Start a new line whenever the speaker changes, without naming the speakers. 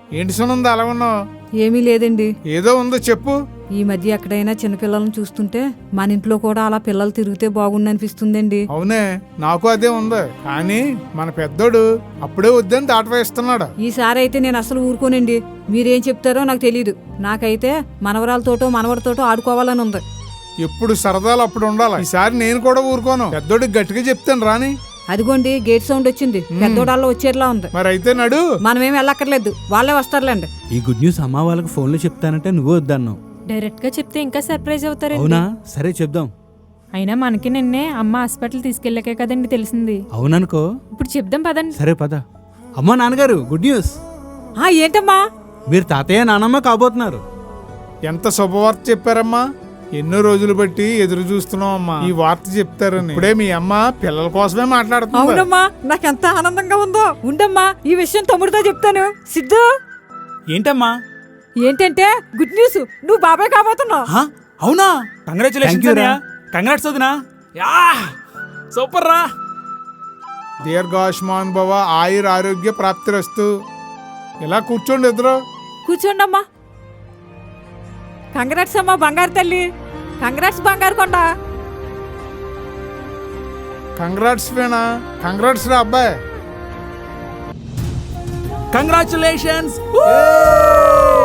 ఏంటి సునంద అలా ఉన్నావు?
ఏమీ లేదండి.
ఏదో ఉందో చెప్పు.
ఈ మధ్య ఎక్కడైనా చిన్నపిల్లలను చూస్తుంటే మన ఇంట్లో కూడా అలా పిల్లలు తిరిగితే బాగుండనిపిస్తుందండి.
అవునే, నాకు అదే ఉంది. కానీ మన పెద్దోడు అప్పుడే వద్దని దాటవేస్తున్నాడు.
ఈసారి అయితే నేను అసలు ఊరుకోనండి. మీరేం చెప్తారో నాకు తెలీదు. నాకైతే మనవరాలతోటో మనవడితోటో ఆడుకోవాలని ఉంది.
ఎప్పుడు సరదాలు అప్పుడు ఉండాలి. ఈసారి నేను కూడా ఊరుకోను. పెద్దోడికి గట్టిగా చెప్తాను రాని.
అదిగోండి గేట్ సౌండ్ వచ్చింది. పెద్దోడాల్లో వచ్చేట్లా ఉంది.
మరి అయితే నడు.
మనమేం వెళ్ళక్కర్లేదు, వాళ్ళే వస్తారులేండి.
ఈ గుడ్ న్యూస్ అమ్మ వాళ్ళకి ఫోన్లో చెప్తానంటే నువ్వు వద్దన్నావు.
డైరెక్ట్ గా చెప్తే ఇంకా సర్ప్రైజ్ అవుతారండి.
అవునా? సరే చెప్దాం.
అయినా మనకి నిన్నే అమ్మ హాస్పిటల్ తీసుకెళ్ళాకే కదండి తెలిసింది.
అవుననుకో.
ఇప్పుడు చెప్దాం పదండి.
సరే పద. అమ్మా నాన్నగారు గుడ్ న్యూస్.
ఏంటమ్మా?
మీరు తాతయ్య నానమ్మ కాబోతున్నారు.
ఎంత శుభవార్త చెప్పారమ్మా. ఎన్నో రోజులు బట్టి ఎదురు చూస్తున్నాం అమ్మా ఈ వార్త చెప్తారని. ఇప్పుడే మీ అమ్మ పిల్లల కోసమే మాట్లాడుతుంది.
అవునమ్మా, నాకెంత ఆనందంగా ఉందో. ఉండమ్మా, ఈ విషయం తమ్ముడితో చెప్తాను. సిద్ధు,
ఏంటమ్మా?
ఏంటంటే గుడ్ న్యూస్, నువ్వు బాబాయ్ కాబోతున్నావు.
అవునా?
కంగ్రాట్స్ వదినా. సూపర్ రా.
దీర్ఘాయుష్మాన్ భవ, ఆయుర్ ఆరోగ్య ప్రాప్తిరస్తు. ఇలా కూర్చోండి ఇద్దరు.
కూర్చోండమ్మా. కంగ్రాట్స్ అమ్మా బంగారు తల్లి. కంగ్రాట్స్ బంగారు కొండ.
కంగ్రాట్స్ వేణా. కంగ్రాట్స్ రా అబ్బాయి.
కంగ్రాచులేషన్స్.